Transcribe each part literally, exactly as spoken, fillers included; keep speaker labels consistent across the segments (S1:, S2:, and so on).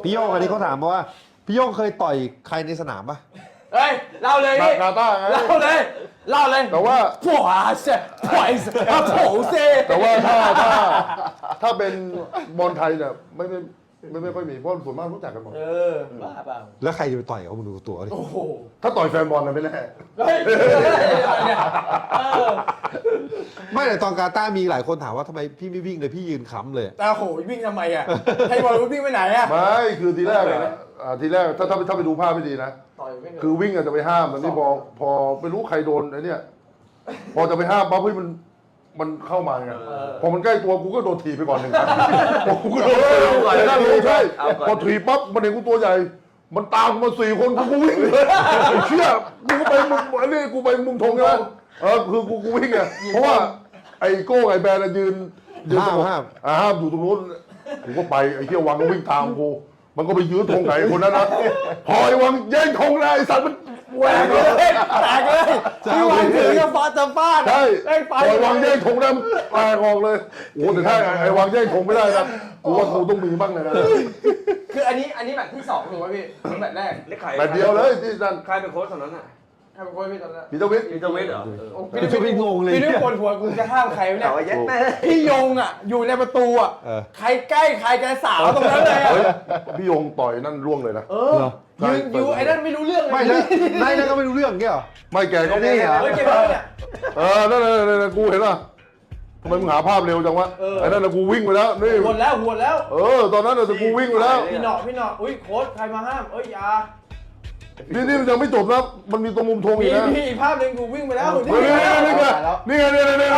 S1: พี่โยงอันนี้เขาถามมาว่าพี่โยงเคยต่อยใครในสนามปะ
S2: เฮ้ยเล่าเลยพี่
S3: กาตาร์ไง
S2: เล่าเลยเล่าเลย
S3: แต่ว่า
S2: ผัวเซ่ผัวเซ่ผัวเซ่
S3: แต่ว่าถ้าถ้าถ้าเป็นบอลไทยเนี่ยไม่ไม่ไม่ไม่ค่อยมีเพราะส่วนมากรู้จักกันหมด
S2: เออบ้าเปล่า
S1: แล้วใครจะไปต่อยเขามึงดูตัวดิ
S2: โอ้โห
S3: ถ้าต่อยแฟนบอลนะไม่แน่
S2: เฮ้ยเนี่ยเออ
S1: ไม่แต่ตอนกาตาร์มีหลายคนถามว่าทำไมพี่ไม่วิ่งเลยพี่ยืนค้ำเลย
S2: แต่โหวิ่งทำไมอ่ะให้บอลวิ่งไปไหนอ่ะ
S3: ไม่คือทีแรกอะอ่าทีแรกถ้าถ้าถ้าไปดูภาพไม่ดีนะ
S2: ต่อยวิ่ง
S3: คือวิ่งอะจะไปห้ามแต่นี่พอพอไม่รู้ใครโดนไอ้เนี่ยพอจะไปห้ามปั๊บเฮ้ยมันมันเข้ามาไงพอมันใกล้ตัวกูก็โดนถีบไปก่อนหนึ่งครั้งกูก็โดนถีบนั่นเลยใช่พอถีบปั๊บมันเห็นกูตัวใหญ่ มันตามกูมาสี่คนกูก็วิ่งเลยไอ้เชี่ยกูก็ไปมุมอันนี้กูไปมุมธงใช่ไหมเออคือกูกูวิ่งไงเพราะว่าไอ้โก้ไอ้แบนยืนยืน
S1: ห้ามห้าม
S3: อ่าห้ามอยู่ตรงนู้นกูก็ไปไอ้เชี่ยวังก็วิ่งตามกูมันก็ไปยื้อธงไก่คนนั้นนะพอไอ้วังแย่งธงเลยไอ้สัตว์มันแหวกเลย
S2: แตกเลยพี่วางถือกับฟาจะฟาด
S3: ใช่
S2: ไอ้ไป
S3: พอไอ้วังแย่งธงได้มันแตกออกเลยโอ้แต่ถ้าไอ้วังแย่งธงไม่ได้นะกูว่ากูต้องมีบ้างเลยนะ
S2: คืออันนี้อันนี้แบบที่สองถูกไหมพี่แบบแรก
S4: เล็กไข่
S3: แบบเดียวเลยที่นั่น
S4: ใครเป็นโค้ชตอนนั้นอ่ะ
S2: ใครเป็นคนพี่ตอนนั้น
S3: พีเตอร์วิท
S4: พีเตอร์เวสเหรอ
S2: พี่
S1: พี่ไม่งงเลย
S2: พี่นึกปวดหัวกูจะห้ามใครเนี่ย
S4: แต่ว่าแย่แม่
S2: พี่ยงอ่ะอยู่ในประตูอ่ะ
S1: เออ
S2: ใครใกล้ใครแกสาวตรงนั้นเลยอ่ะ
S3: เฮ้ยพี่ยงต่อยนั่นร่วงเลยนะ
S2: เออยืนอยู่ไอ้นั่นไม่รู้เรื่องเลย
S1: ไม่แล้วนายนั่นก็ไม่รู้เรื่องเงี้ยเหรอ
S3: ไม่แกก็
S1: นี่เหรอ
S2: เฮ้ยเก็บไว้เนี่ย
S3: เออนั่นนั่นนั่นนั่นกูเห็นป่ะทำไมมึงหาภาพเร็วจังวะไอ้นั่นน่ะกูวิ่งไปแล้วนี่
S2: หวดแล้วหวดแล้ว
S3: เออตอนนั้นน่ะแต่กูวิ่งไปแล้ว
S2: พี่หนอพี่หนออุ้ยโค้ชใครมาห้ามเอ้ยอยา
S3: นี่นี่มันยังไม่จบนะมันมีตรงมุมธงอี
S2: พี่
S3: กนะ
S2: พี่อีกภาพหนึ่งกูวิ่งไปแล้ว
S3: นี่ไงนี่ไงนี่ไงนี่ไงนี่ไง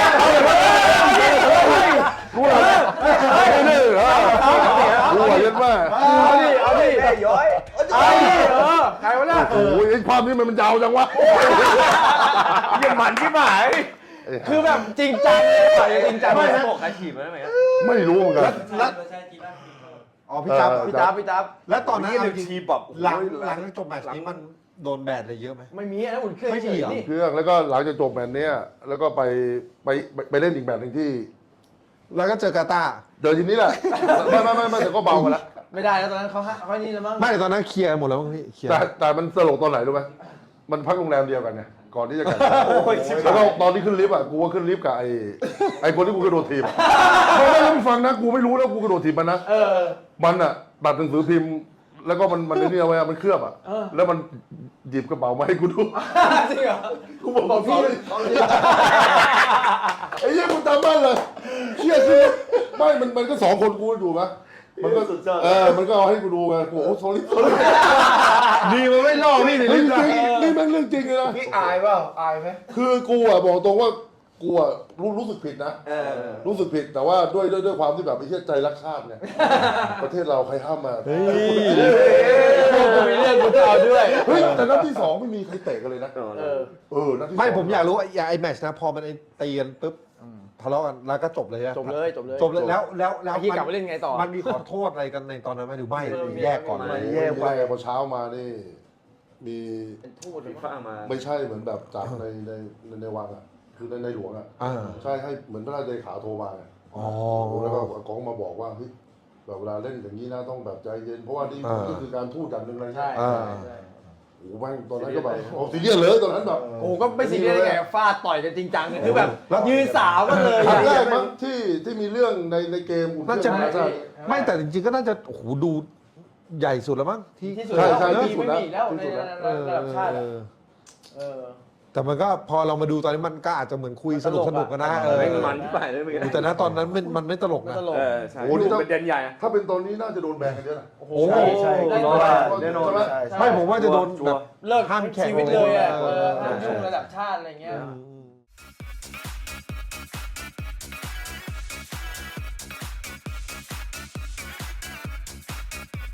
S3: กูเหรอนี่นี่เหรอกูเหรอยันแม่
S2: เอาดิเอาดิ
S4: แม่ย้อย
S2: เอาดิเออใครวะเนี่ย
S3: โอ้ยไอ้ภาพนี้มันมันยาวจังวะ
S4: ยังหมันที่หมาย
S2: คือแบบจริงจังเลยต่อยจริงจัง
S4: ไม่
S2: เลย
S4: นะบอกใครถีบมันไหมครับ
S3: ไม่รู้เหมือนกัน
S1: แล้วอ๋อพี่จับ
S2: พี่จ๊าบพี่จ๊าบ
S1: แล้วตอนนั้น
S4: นี่
S1: เอา
S4: เลย
S1: จริง
S4: ทีแบบ
S1: หลังหลังจากจบแมตช์นี้มันโดนแบนอะไรเยอะไหม
S2: ไม่มีนะอุ่นเครื่อง
S1: ไม่มีเหรอ
S2: นี่
S3: เครื่องแล้วก็หลังจากจบแมตช์เนี้ยแล้วก็ไปไปไปเล่นอีกแมตช์หนึ่งที่
S1: แล้วก็เจอกาตาร์
S3: เจอทีนี้แหละไม่ไม่ไม่ไม่แต่ก็เบามาแล้ว
S2: ไม่ได้แล้วตอนนั้นเขาฮะเขานี่แล้วมั้ง
S1: ไม่ตอนนั้นเคลียร์หมดแล้วมั้งพี่เคลียร์
S3: แต่แต่มันตลกตอนไหนรู้ไหมมันพักโรงแรมเดียวกันเนี่ยก่อนที่จะกัน
S4: โอ้ยชิบ
S3: แล้ว
S4: หา
S3: ก็
S4: ย
S3: ตอนที่ขึ้นลิฟต์อ่ะกูว่าขึ้นลิฟต์กับไอ้ไอ้คนที่กูกระโดดถีบไม่ไม่ต้องฟังนะกูไม่รู้แล้วกูกระโดดถีบมันนะ
S2: เออ
S3: มันอ่ะตัดหนังสือพิมพ์ แล้วก็มันมันนี่เอาไว้อะมันเคลือบอ่ะ
S2: เออ
S3: แล้วมันหยิบกระเป๋ามาให้กูดู
S2: จริงเหรอ
S3: กูบอกพี่ไอ้เหี้ยกูจำได้เลยเชี่ยคือไม่มันมันก็สองคนกูอยู่ปะมันก็เออมันก็เอาให้กูดูไงกูโอ้โห sorry sorry
S1: ดีมันไม่ล่อพี่ใน
S3: เฮ้
S1: ลิ้
S3: ย
S1: น
S3: จริงนี่แม่งเรื่องจริงเลยนะ
S2: พี่อายเปล่าอายไหม
S3: คือกูอ่ะบอกตรงว่ากูอ่ะรู้รู้สึกผิดนะ
S4: เออ
S3: รู้สึกผิดแต่ว่าด้วยด้วยด้วยความที่แบบไอ้เหี้ยใจรักชาติเนี่ย ประเทศเราใครห้ามมา
S1: เฮ้ย
S2: กูมีเรื่องกูจะเอาด้วย
S3: เฮ้ยแต่นัดที่สองไม่มีใครเตะกันเลยนะ
S2: เออ
S3: เออนัดที่สอง
S1: ไม่ผมอยากรู้ไอ้ไอ้แมตช์นะพอมันไอ้ตีกันปุ๊บทะเลาะกันแล้วก็จบเลยนะ
S2: จบเลยจบเลย
S1: จบเลยแล้วแล้วแล้ว
S2: ไอ้ที่กลับมาเล่นไงต่อ
S1: มันมีขอโทษอะไรกันในตอนนั้นไหมหรือไม่
S2: เออ
S1: แยกก่อน
S2: ไม่
S1: ไหม
S3: แย่ไปพอเช้ามานี่ มี
S2: เป็นทูตเล
S4: ฟี
S2: ย
S4: ฟ่ามา
S3: ไม่ใช่เหมือนแบบจากในในในในวังอ่ะคือในในหลวงอ่ะ
S1: อ่า
S3: ใช่ให้เหมือนพระราชเลขาโทรมาไง
S1: อ๋อ
S3: แล้วก็กองมาบอกว่าเฮ้ยแบบเวลาเล่นอย่างนี้นะต้องแบบใจเย็นเพราะว่านี่
S1: อ่า
S3: ก็คือการพูดอย่างหนึ่งเลย
S2: ใช่
S1: อ่า
S2: ใช่
S3: โอ้โหแม่งตอนนั้นก็แบบโอ้ซีเรียสเลยตอนนั้นแบบ
S2: โอ้ก็ไม่ซีเรียสได้ไงฟาดต่อยกันจริงจังคือแบบยืนสาวกันเลย
S3: ครั้งแร
S2: อะ
S3: กมั้งที่ที่มีเรื่องในในเกมอุ่นเค
S1: น่า
S3: รื่
S1: จะ
S3: องนะใช่
S1: ไม่แต่จริงๆก็น่าจะโอ้โหดูใหญ่สุดแล้วมั้งที่
S2: ที่สุด
S3: ใช่
S2: แล้ว
S3: ใช่
S2: ไม่
S3: ที่
S2: มี
S3: สุด
S2: ไม่
S3: แล้ว
S2: มีแล้ว
S3: ที่
S2: ใน
S3: สุดแล้ว
S2: ระดับชาติอะ
S1: เออ
S2: เออ
S1: แต่มันก็พอเรามาดูตอนนี้มันก็อาจจะเหมือนคุยสนุกสนุกกันนะ
S2: ตลกอะ
S1: เออ
S4: ไม่มันที่ไปเลยเมื่อกี้
S1: แต่นะตอนนั้นมันมันไม่ตลก
S2: ไม่
S1: นะ
S2: ตลก
S4: เออใช่
S3: โอ้โหนี่ต้อง
S4: ประเด็นใหญ่
S3: ถ้าเป็นตอนนี้น่าจะโดนแบนกันเยอะนะ
S2: โอ้โห
S1: ใช่
S4: ใช่
S2: ได้
S4: แน่นอน
S2: ได้
S4: แน่นอน
S3: ใช่ไหม
S4: ใช่
S1: ไม่ผมว่าจะโดน
S4: ชัว
S1: แบ
S4: ร์
S1: บ
S2: เลิก
S1: ห้ามแข่ง
S2: ชีวิตเลยอะ
S1: เออ
S2: เออห้ามช่วงระดับชาติอะไรเงี้ย
S1: อืม